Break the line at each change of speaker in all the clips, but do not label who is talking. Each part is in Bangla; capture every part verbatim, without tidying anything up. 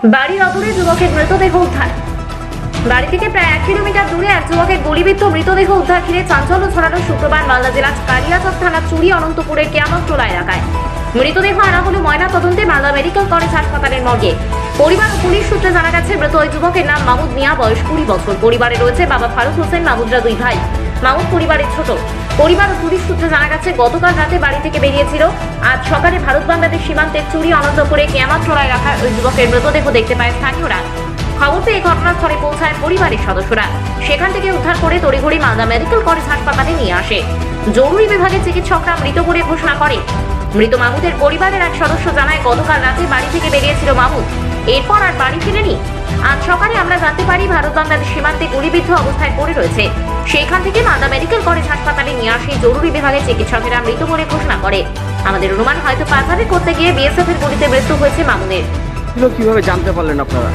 বাড়ির অদূরে যুবকের মৃতদেহ উদ্ধার। বাড়ি থেকে প্রায় এক কিলোমিটার দূরে এক যুবকের গুলিবিদ্ধ মৃতদেহ উদ্ধার ঘিরে চাঞ্চল্য ছড়ানো শুক্রবার মালদা জেলার কালিয়াচক থানার চুরি অনন্তপুরের কেয়ামতটোলা এলাকায়। মৃতদেহ আনা হলো ময়না তদন্তে মালদা মেডিকেল কলেজ হাসপাতালের মর্গে। পরিবার ও পুলিশ সূত্রে জানা গেছে, মৃত ওই যুবকের নাম মাহমুদ মিয়া, বয়স কুড়ি বছর। পরিবারে রয়েছে বাবা ফারুক হোসেন, মাহমুদরা দুই ভাই। মাহমুদ পরিবারের ছোট। পরিবার ও পুলিশ সূত্রে জানা গেছে, গতকাল রাতে বাড়ি থেকে বেরিয়েছিল। আজ সকালে ভারত বাংলাদেশ সীমান্তের চুরি অনন্তপুরে কেয়ামতটোলা এলাকায় ওই যুবকের মৃতদেহ দেখতে পায় স্থানীয়রা। খবর পেয়ে ঘটনাস্থলে পৌঁছায় পরিবারের সদস্যরা। সেখান থেকে উদ্ধার করে তড়িঘড়ি মালদা মেডিকেল কলেজ হাসপাতালে নিয়ে আসে। জরুরি বিভাগের চিকিৎসকরা মৃত বলে ঘোষণা করে। মৃত মাহমুদের পরিবারের এক সদস্য জানায়, গতকাল রাতে বাড়ি থেকে বেরিয়েছিল মাহমুদ, এরপর আর বাড়ি ফিরেনি। আজ সকালে আমরা জানতে পারি ভারত বাংলাদেশ সীমান্তে গুলিবিদ্ধ অবস্থায় পড়ে রয়েছে। সেইখান থেকে মালদা মেডিকেল কলেজ হাসপাতালে নিয়ে আসে। জরুরি বিভাগের চিকিৎসকেরা মৃত বলে ঘোষণা করে। আমাদের অনুমান, হয়তো পাচারি করতে গিয়ে বিএসএফ এর গুলিতে মৃত্যু হয়েছে মামুনের।
কিভাবে জানতে পারলেন আপনারা?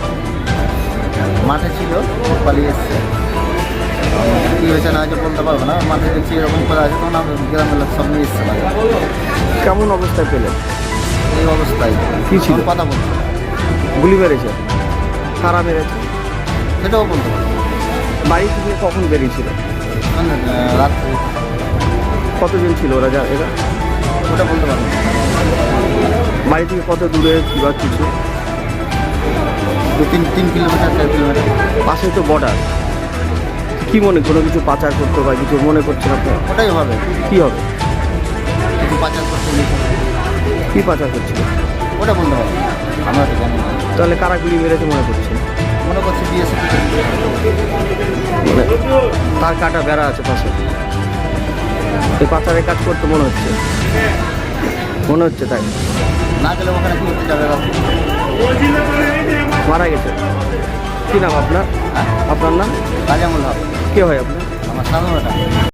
মাঠে ছিল, পালিয়ে এসছে। কী হয়েছে না হয়েছে বলতে পারবো না। মাঠে দেখছি এরকম করে আছে, তখন আমি গ্রামের লোক সব নিয়ে এসছে।
কেমন অবস্থায় পেলেন?
এই অবস্থায়
কি ছিল?
কথা বলতে
গুলি মেরেছে? কারা মেরেছে
সেটাও বলতে পারবো।
বাড়ি থেকে কখন বেরিয়েছিল?
মানে রাত্রে।
কতজন ছিল ওরা? যা এরা
ওটা বলতে পারবো না।
বাড়ি থেকে কত দূরে বা কিছু?
দু তিন তিন কিলোমিটার চার কিলোমিটার
পাশে তো বর্ডার। কি মনে, কোনো কিছু পাচার করতে বা কিছু মনে করছেন আপনারা?
ওটাই হবে।
কি হবে?
কিছু পাচার করতে গেছে।
কি পাচার করছিল?
ওটা বলতে পারবো না, আমরা তো জানি না।
তাহলে কারা গুলি মেরেছে মনে করছেন?
মনে করছি বিএসএফ।
মানে তার কাটা বেড়া আছে পাশে, এই পাচারের কাজ করতে মনে হচ্ছে মনে হচ্ছে তাই
না গেলে ওখানে কি করতে যাবে?
মারা গেছে। কি নাম আপনার?
হ্যাঁ,
আপনার নাম?
কাজামুল হক।
কে হয় আপনার?
আমার সাধারণ